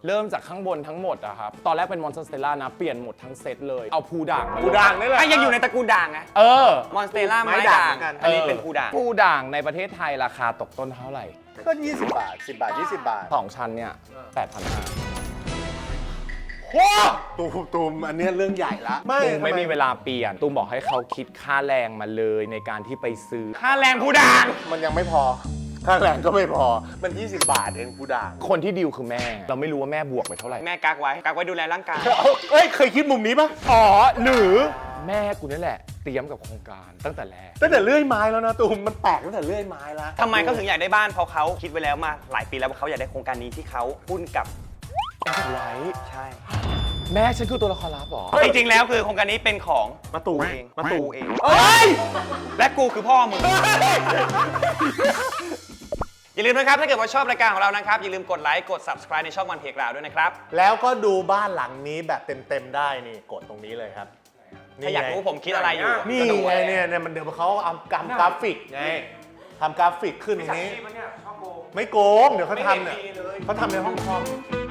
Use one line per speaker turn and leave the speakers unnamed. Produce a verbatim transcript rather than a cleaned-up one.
เริ่มจากข้างบนทั้งหมดอะครับตอนแรกเป็นมอนสเตลล่านะเปลี่ยนหมดทั้งเซตเลยเอาภูด่างมา
ภูด่างนี่แหละ
ถ้ายังอยู่ในตระกูลด่างไง
เออ
มอนสเตล่าไม้
ไม้ด่า
ด่าง ง
เหมือนกัน
อันนี้เป็นภูด่าง
ภูด่างในประเทศไทยราคาตกต้นเท่าไหร่
ก็ยี่สิบบาทสิบบาทยี่สิบบาท
สองชั้นเนี่ยแปดพันห้า
โอ้ตูมตูมอันเนี้ยเรื่องใหญ่ละไม่
ตูมไม่มีเวลาเปลี่ยนตูมบอกให้เขาคิดค่าแรงมาเลยในการที่ไปซื้อ
ค่าแรงภูด่าง
มันยังไม่พอค่าแรงก็ไม่พอมันยี่สิบบาทเองกูด่าง
คนที่ดีลคือแม่ เราไม่รู้ว่าแม่บวกไปเท่าไหร่
แม่กักไว้กักไว้ดูแลร่างกาย
เอ้ยเคยคิดมุมนี้ปะ
อ๋อหรือแม่กูนั่นแหละเตรียมกับโครงการตั้งแต่แรก
ตั้งแต่เลื่อยไม้แล้วนะตูมมันแปลกตั้งแต่เลื่อยไม้แล้ว
ทำไมเขาถึงอยากได้บ้านเพราะเขาคิดไว้แล้วมาหลายปีแล้วว่าเขาอยากได้โครงการนี้ที่เขาหุ้นกับ
ไว้
ใช่
แม่ฉันคือตัวละครลับเหรอ
จริงๆแล้วคือโครงการนี้เป็นของ
มาตู
กูเองมาตูเอง
เอ้ย
และกูคือพ่อมึง อย่าลืมนะครับ ถ้าเกิดว่าชอบรายการของเรานะครับ อย่าลืมกดไลค์กด subscribe ในช่องวันเพกราวด้วยนะครับ
แล้วก็ดูบ้านหลังนี้แบบเต็มๆได้นี่กดตรงนี้เลยครับ
ถ้าอยากรู้ผมคิดอะไรอยู่
นี่
ก็ดู
ไงเนี่ยเนี่ยมันเดี๋ยวเขาเอากำกราฟิกไงทำกราฟิกขึ้นตรงนี้ ไม่โกง เดี๋ยวเขาทำเนี่ยเขาทำในห้องคอม